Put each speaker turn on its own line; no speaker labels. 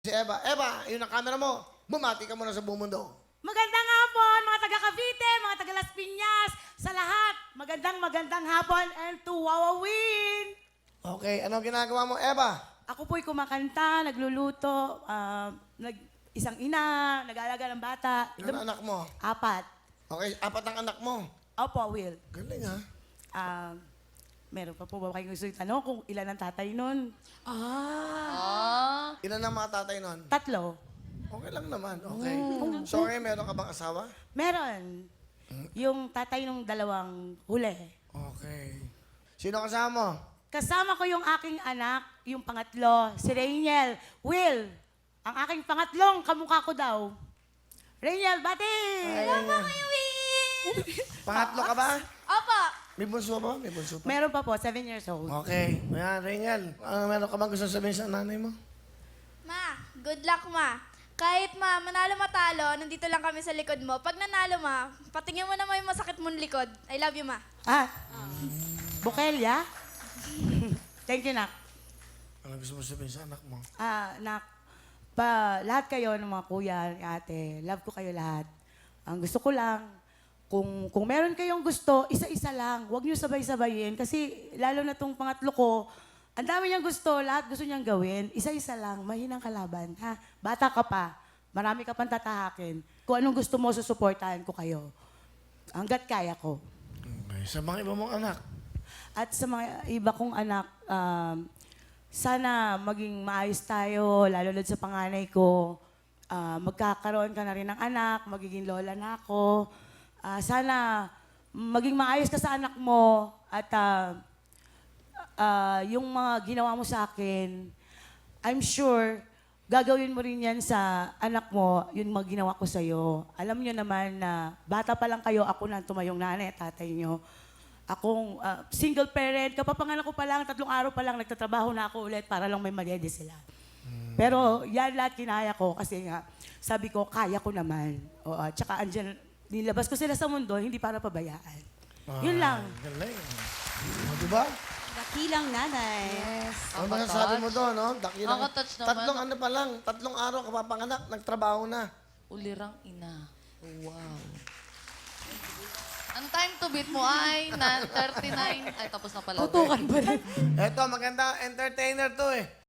Si Eva. Eva, yun ang camera mo. Bumati ka muna sa buong mundo.
Magandang hapon, mga taga Cavite, mga taga Las Piñas, sa lahat. Magandang hapon and to Wawawin.
Okay, ano ginagawa mo, Eva?
Ako po'y kumakanta, nagluluto, isang ina, nag-aalaga ng bata.
Ilan anak mo?
4.
Okay, 4 ang anak mo.
Opo, Will.
Galing ha.
Meron pa po ba kayong gusto itanong kung ilan ang tatay nun?
Ilan ang mga tatay nun?
3.
Okay lang naman, okay. Sorry, meron ka bang asawa?
Meron. Yung tatay nung 2 huli.
Okay. Sino kasama mo?
Kasama ko yung aking anak, yung pangatlo, si Rainiel. Will, ang aking pangatlong kamukha ko daw. Rainiel, bati!
Hello
Kayo, Will!
Pangatlo ka ba?
Opo.
May bunso ba? May bunso pa?
Meron pa po, 7 years old.
Okay. Ayan, Ringel. Meron ka bang gusto sabihin sa nanay mo?
Ma, good luck, ma. Kahit ma, manalo matalo, nandito lang kami sa likod mo. Pag nanalo, ma, patingin mo naman yung masakit mong likod. I love you, ma.
Bukelya? Thank you, Nak.
Ano gusto mo sabihin sa anak mo?
Nak, lahat kayo ng mga kuya, ni ate, love ko kayo lahat. Ang gusto ko lang, kung meron kayong gusto, isa-isa lang. Huwag niyo sabay-sabayin. Kasi lalo na tong pangatlo ko, ang dami niyang gusto, lahat gusto niyang gawin. Isa-isa lang, mahinang kalaban. Ha? Bata ka pa, marami ka pang tatahakin. Kung anong gusto mo, susuportahan ko kayo. Hanggat kaya ko.
Okay. Sa mga iba mong anak?
At sa mga iba kong anak, sana maging maayos tayo, lalo na sa panganay ko. Magkakaroon ka na rin ng anak, magiging lola na ako. Sana maging maayos ka sa anak mo at yung mga ginawa mo sa akin, I'm sure gagawin mo rin yan sa anak mo, yung mga ginawa ko sa'yo. Alam niyo naman na bata pa lang kayo, ako na tumayong nanay at tatay niyo. Akong single parent, kapapanganak ko pa lang, 3 araw pa lang, nagtatrabaho na ako ulit para lang may madede sila. Pero yan lahat kinaya ko kasi nga, sabi ko, kaya ko naman. Tsaka andyan, nilabas ko sila sa mundo, hindi para pabayaan. Yun lang.
Galing. Diba?
Dakilang nanay.
Yes.
Ano masasabi mo doon, no? Dakilang,
Nakaka-touch naman.
3 ano pa lang, 3 araw kapapanganak, nagtrabaho na.
Ulirang ina. Wow. Ang time to beat mo ay 9:39. Ay, tapos na pala.
Tutukan pa rin.
Eto, maganda entertainer to eh.